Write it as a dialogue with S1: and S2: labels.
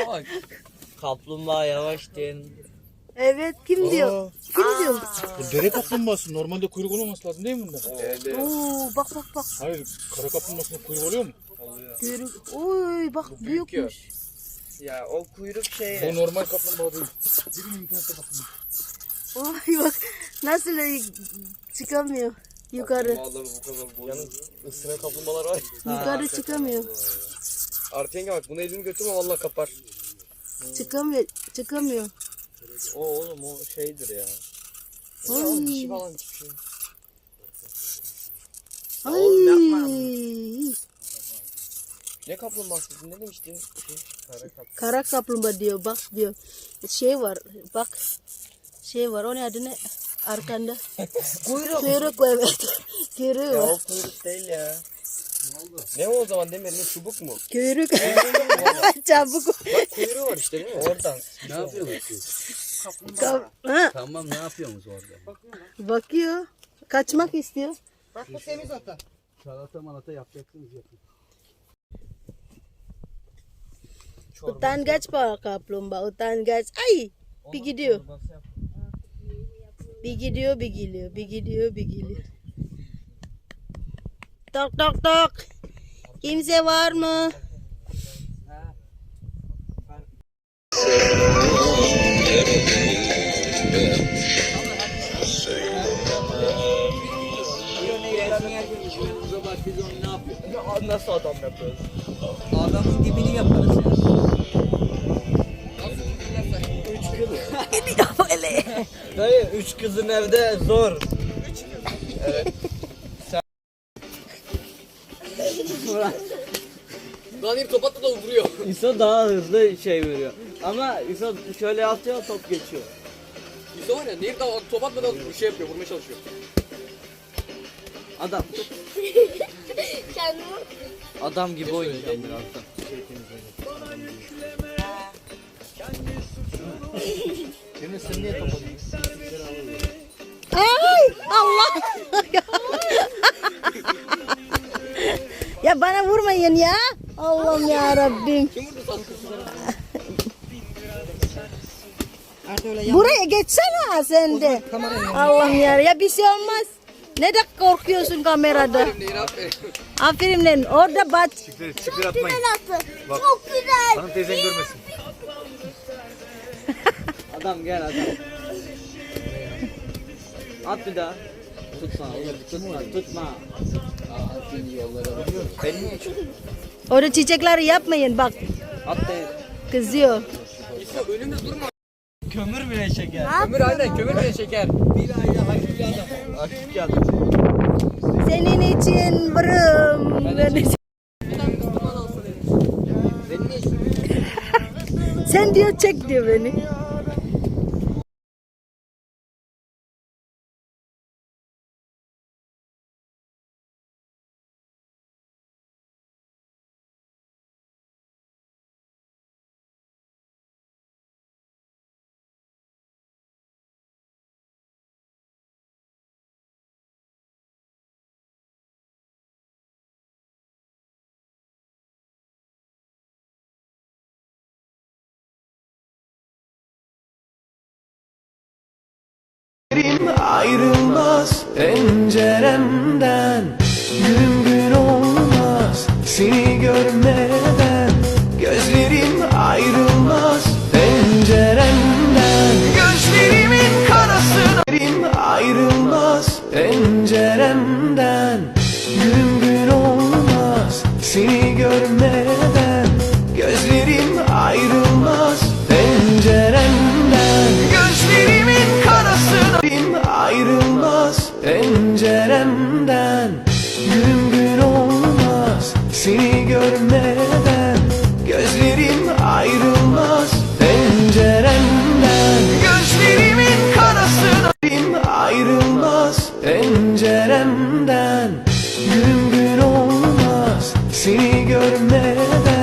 S1: bak. Kaplumbağa yavaş din.
S2: Evet, kim diyor? Kim diyor?
S3: Bu dere kaplumbağası. Normalde kuyruk olmaması lazım değil mi bunda?
S2: Oo, bak bak bak.
S3: Hayır, kara kaplumbağasında kuyruk oluyor mu?
S2: Kuyruk. Oy bak büyükmüş.
S1: Ya o kuyruk şey.
S3: Bu normal kaplumbağa değil. Girin internete bakın.
S2: Oy bak nasıl çıkamıyor yukarı.
S1: Vallahi bu kadar boyun. Yalnız ısıran kaplumbağalar var.
S2: Yukarı çıkamıyor.
S1: Artı yenge bak bunu elini götürme vallahi kapar.
S2: Çıkamıyor. Çıkamıyor.
S1: O oğlum o şeydir ya.
S2: Ay.
S1: Dişi falan çıkıyor.
S2: Ay.
S1: Ne kaplumbağası ne demiştin?
S2: Kara kaplumbağa diyor bak diyor. Şey var bak. Şey var o ne adı ne? Arkanda. Kuyruk. Kuyruk evet. Kuyruğu
S1: Ya
S2: var.
S1: o kuyruk değil ya. Ne o zaman Demir ne çubuk mu?
S2: Kuyruk. Çabuk.
S1: Bak kuyruğu var işte değil mi? Oradan.
S4: Ne yapıyorsunuz?
S2: Ha,
S4: Tamam ne yapıyorsunuz orada?
S2: bakıyor. Kaçmak istiyor.
S5: Bak bu temiz ata.
S4: Salata malata yapacaksınız yapın.
S2: Utangaç pak kaplumbağa. Utangaç. Ay. Bir gidiyor. Bir gidiyor, bir geliyor. Bir gidiyor, bir geliyor. Tok tok tok. Kimse var mı?
S1: Nasıl adam yapıyoruz?
S4: Adamın dibini yaparız ya.
S2: Öyle.
S1: Dayı 3 kızın evde zor. Evet. Lan bir topatla da vuruyor.
S6: İso daha hızlı şey veriyor. Ama İso şöyle atıyor top geçiyor.
S1: İso var ya Nehir daha top atmadan bir şey yapıyor, vurmaya çalışıyor.
S6: Adam.
S7: Kendimi
S6: Adam gibi oynayacağım birazdan.
S3: Demir sen niye kapadın?
S2: Ay Allah. Ya bana vurmayın ya. Allah'ım ya Rabbim.
S1: Kim vurdu sana?
S5: Artık öyle
S2: Buraya geçsene sen de. Allah'ım ya. Ya bir şey olmaz. Ne de korkuyorsun kamerada.
S1: Nehir aferin.
S2: Aferin lan. Orada bat.
S3: Çıkır atmayın. Bak.
S7: çok güzel.
S3: Hanım teyzen görmesin.
S6: Adam gel adam. At bir daha. Tutma oğlum tutma tutma.
S2: Orada çiçekleri yapmayın bak.
S6: At de.
S2: Kızıyor.
S1: İso önümde durma.
S6: Kömür bile çeker.
S1: Kömür aynen kömür bile şeker.
S6: Bir ayda haklı bir adam. Akif geldi.
S2: Senin için varım. Sen diyor çek diyor beni.
S8: Ayrılmaz penceremden, gün gün olmaz seni görmeden. Gözlerim ayrılmaz penceremden, gözlerimin karasına. Ayrılmaz penceremden, gün gün olmaz seni görmeden. Gözlerim ayrılmaz penceremden, gözlerimin karasına. Ayrılmaz penceremden, gün gün olmaz seni görmeden. Gözlerim ayrılmaz penceremden, gözlerimin karasına. Ayrılmaz penceremden, gün gün olmaz seni görmeden.